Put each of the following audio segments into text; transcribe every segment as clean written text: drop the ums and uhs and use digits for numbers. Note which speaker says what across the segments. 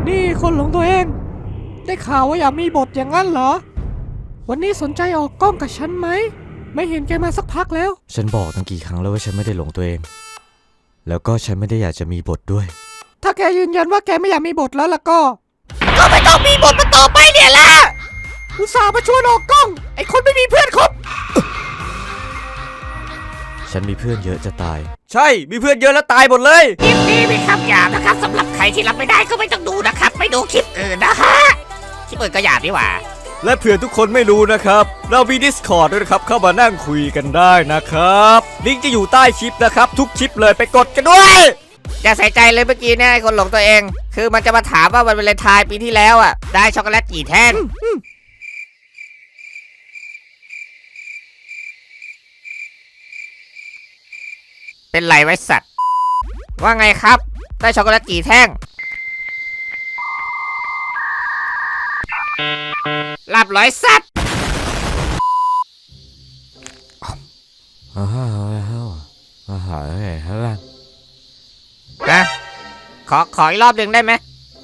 Speaker 1: นี่คนหลงตัวเองได้ข่าวว่าอยากมีบทอย่างนั้นเหรอวันนี้สนใจออกกล้องกับฉันไหมไม่เห็นแกมาสักพักแล้ว
Speaker 2: ฉันบอกตั้งกี่ครั้งแล้วว่าฉันไม่ได้หลงตัวเองแล้วก็ฉันไม่ได้อยากจะมีบทด้วย
Speaker 1: ถ้าแกยืนยันว่าแกไม่อยากมีบทแล้วล่ะก็ไม่ต้องมีบทมาต่อไปเนี่ยแหละอุตส่าห์มาชวนออกกล้องไอ้คนไม่มีเพื่อนคบ
Speaker 2: ฉันมีเพื่อนเยอะจะตาย
Speaker 3: ใช่มีเพื่อนเยอะแล้วตายหมดเลย
Speaker 4: คลิปนี้มีคำหยาบนะครับสำหรับใครที่รับไม่ได้ก็ไม่ต้องดูนะครับไม่ดูคลิปอื่นนะฮะคลิปอื่นก็หยาบดีกว่า
Speaker 3: และเผื่อทุกคนไม่รู้นะครับเรามี Discord ด้วยนะครับเข้ามานั่งคุยกันได้นะครับลิงก์จะอยู่ใต้คลิปนะครับทุกคลิปเลยไปกดกันด้วย
Speaker 4: อย่าใส่ใจเลยเมื่อกี้เนี่ยไอ้คนหลงตัวเองคือมันจะมาถามว่าวันวาเลนไทน์ปีที่แล้วอ่ะได้ช็อกโกแลตกี่แท่งเป็นไรไว้สัตว์ว่าไงครับได้ช็อกโกแลตกี่แท่งหลับร้อยสัตว์นะขออีกรอบหนึ่งได้ไหม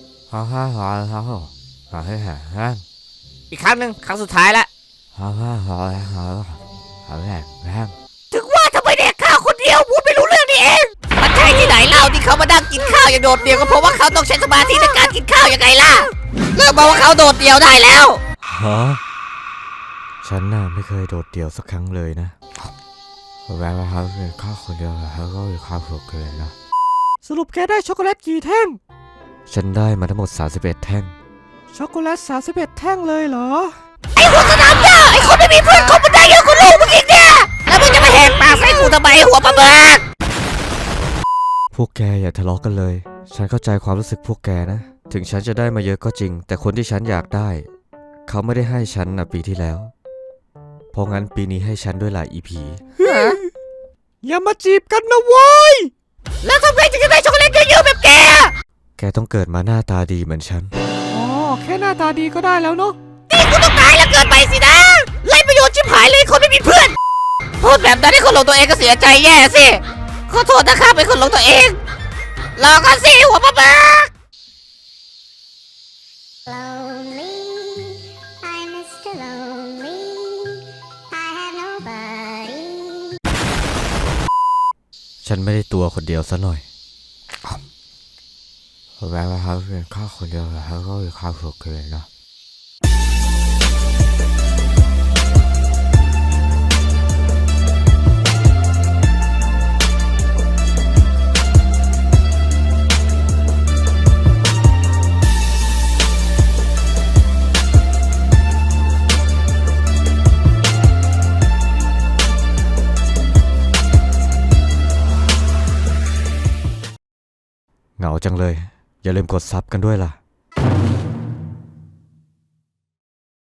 Speaker 4: อีกครั้งหนึ่งครั้งสุดท้ายละถึงว่าทำไมเด็กข้าวคนเดียวพูดไม่รู้เรื่องนี่เองมันใช่ที่ไหนเล่าที่เขามานั่งกินข้าวอย่างโดดเดี่ยวก็เพราะว่าเขาต้องใช้สมาธิในการกินข้าวยังไงล่ะเลิกบอกว่าเขาโดดเดี่ยวได้แล้ว
Speaker 2: ฉันน่ะไม่เคยโดดเดี่ยวสักครั้งเลยนะแม้ว่าเขาเป็นข้าวคนเดียวเขาก็มีความสุขเกินนะ
Speaker 1: สรุปแกได้ช็อกโกแลตกี่แท่ง
Speaker 2: ฉันได้มาทั้งหมด31แท่ง
Speaker 1: ช็อกโกแลต31แท่งเลยเหรอ
Speaker 4: ไอ้หัวสนามหญ้าไอ้คนไม่มีเพื่อนคบมันได้เยอะกว่าลูกมึงอีกเนี่ยแล้วมึงจะมาแหกปากใส่กูทำไมหัวปลาเบิก
Speaker 2: พวกแกอย่าทะเลาะกันเลยฉันเข้าใจความรู้สึกพวกแกนะถึงฉันจะได้มาเยอะก็จริงแต่คนที่ฉันอยากได้เขาไม่ได้ให้ฉันนะปีที่แล้วเพราะงั้นปีนี้ให้ฉันด้วยหลาย EP
Speaker 1: อย่ามาจีบกันนะเว้ย
Speaker 4: แล้วทำไมถึงจะได้ช็อกโกแลตเยอะๆแบบแก
Speaker 2: แกต้องเกิดมาหน้าตาดีเหมือนฉัน
Speaker 1: อ๋อแค่หน้าตาดีก็ได้แล้วเนาะ
Speaker 4: นี่กูต้องตายแล้วเกินไปสินะไร้ประโยชน์ชิบหายเลยคนไม่มีเพื่อนพูดแบบนั้นให้คนหลงตัวเองก็เสียใจแย่สิขอโทษนะครับเป็นคนหลงตัวเองรอกันสิหัวปลาเบิก
Speaker 2: ฉันไม่ได้ตัวคนเดียวซะหน่อยแม้ว่าเขาเป็นข้าคนเดียวเขาก็มีความสุขเกินนะเหงาจังเลยอย่าลืมกดซับกันด้วยล่ะ